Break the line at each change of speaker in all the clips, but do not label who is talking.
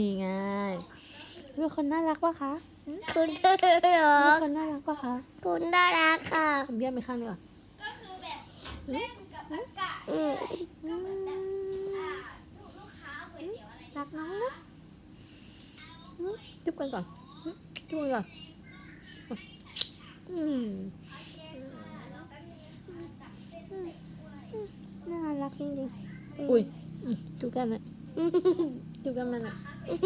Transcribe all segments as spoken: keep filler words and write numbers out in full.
นี่ไงเป็นคนน่ารักปะคะ
คุณน่ารัก
เป็นคนน่ารักปะคะ
คุณน่ารักค่ะ
ทำเบี้ยไปข้างนี้ก่อน
ก็คือแบบเล่นกับอากาศ
อืม
อืม
อ่าลูกค้าก๋วยเตี๋ยวอะไร
รักน้องนะอืมจุ๊บกันก่อนอืมจุ๊บกันก่อนอืมน่ารักจริงๆอุ้ยอืมจุ๊บกันนะจุ๊บกันมันอ่ะ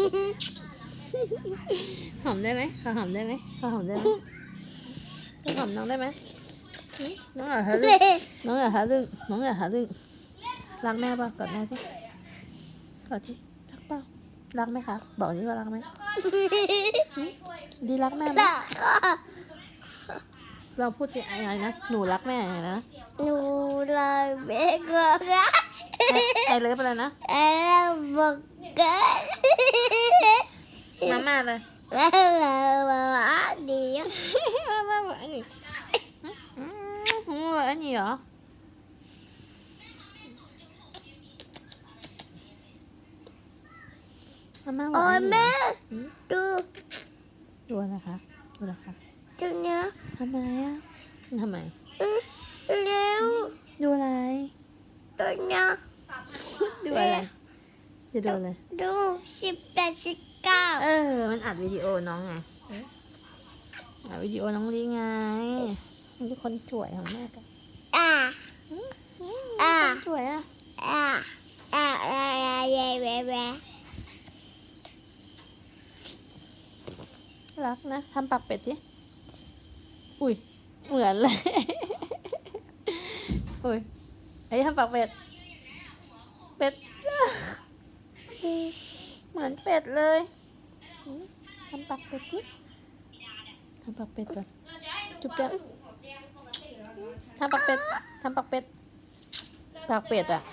หอมได้ไหมขอหอมได้ไหมขอหอมได้ไหมขอหอมน้องได้ไหมอืมน้องอยากหาเรื่องน้องอยากหาเรื่องน้องอยากหาเรื่องรักแม่ป่ะกอดแม่สิกอดสิรักเปล่ารักไหมคะบอกสิว่ารักไหมดีรักแม่ไหม
รักค่ะ
เราพูดสิอะไรนะหนูรักแม่อะไรนะ
หนูรักแม่ก็รัก
ไอเลิฟอะไรนะ
ไอ้เราบอกกัน
มาม่าเลย
แล้วเราว่าดี
มาม่าบอกอันนี้อืมบอกอันนี้เหรอมาม่าบอก
โอ้
อั
ย
นนี้เหร
แม่
ออืม
ดู
ดูอะไรคะดูอะไรคะ
จุดเนี้ย
ทำไมอ่ะทำไม
อืมเร็ว
ดูอะไร
ตัวเนี้ย
ดูอะไรจะดูอะไร
ดูสิบแปดสิบเก้า
เออมันอัดวิดีโอน้องไงอัดวิดีโอน้องลีไงมันเป็นคนสวยของแม่กัน
อ่า
อืม
อ่า
คนสวยอ่ะ
อ่าอ่าอ่าอ่าเย่เย่เย่
รักนะทำปากเป็ดสิอุ้ยเหมือนเลย อุ้ยไอ้ทำปากเป็ดเป็ด เหมือนเป็ดเลยอืมทำปากเป็ดสิทำปากเป็ดก่อนจุ๊บแก้มทำปากเป็ดทำปากเป็ดปากเป็ดอ่ะ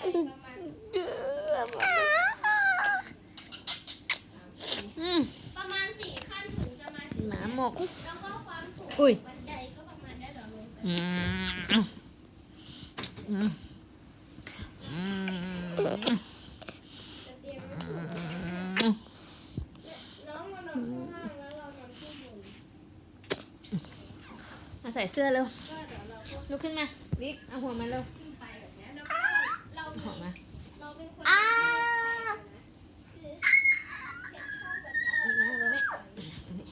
อืม
ประมาณสี่ขั้นถึงจะมาถึง
หมาหมก
แล้วก็ความสูง
อุ้ย
บันไดก็ประมาณได้แบบลงไป
อืมอืมอืม
น้องมานอนข้างล่างแล้วเรานอนข้างบน
มาใส่เสื้อเร็ว
ก็เดี๋ยวเราก็
ลุกขึ้นมาวิกเอาหัวมาเร็ว
ขึ้นไปแบบเนี้ยแล้วก็เรา
เอา
มี
หัวมา
เราเป็นคน
อ่า
คือเก็บช่องแบบเนี้ย
นี่มาตรงนี้ตรงนี้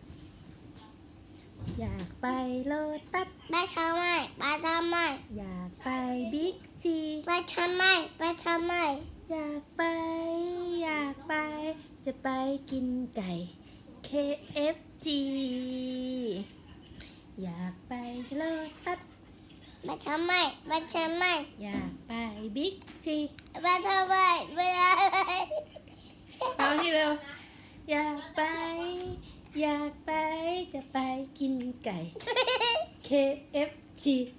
อยากไปโลตัส
ไปทำไมไปทำไม
อยากไปบิ๊กซี
ไปทำไมไปทำไม
อยากไป อยากไป จะไปกินไก่ เค เอฟ จี อยากไปโลตัส
ไปทำไมไปทำไม
อยากไปบิ๊กซี
ไปทำไมไปทำไม
เอาที่เร็ว อยากไป อยากไป จะไปกินไก่ เค เอฟ จี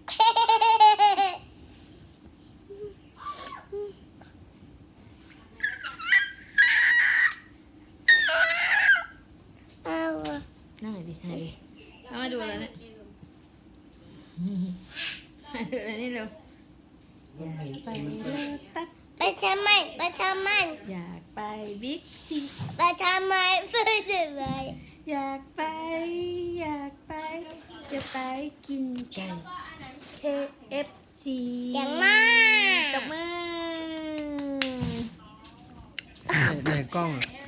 เอา
นั่งไหนดินั่งดิเอามาดูอะไรเนี่ยมาดูอะไรนี่เร็ว อยากไปโลตัส
ไปทำไมไปทำไม
อยากไปบิ๊กซี
ไปทำไมไปทำไม
อยากไป อยากไป จะไปกินไก่ เค เอฟ จี
เก่งมาก
ตบมือ
ในกล้องอะ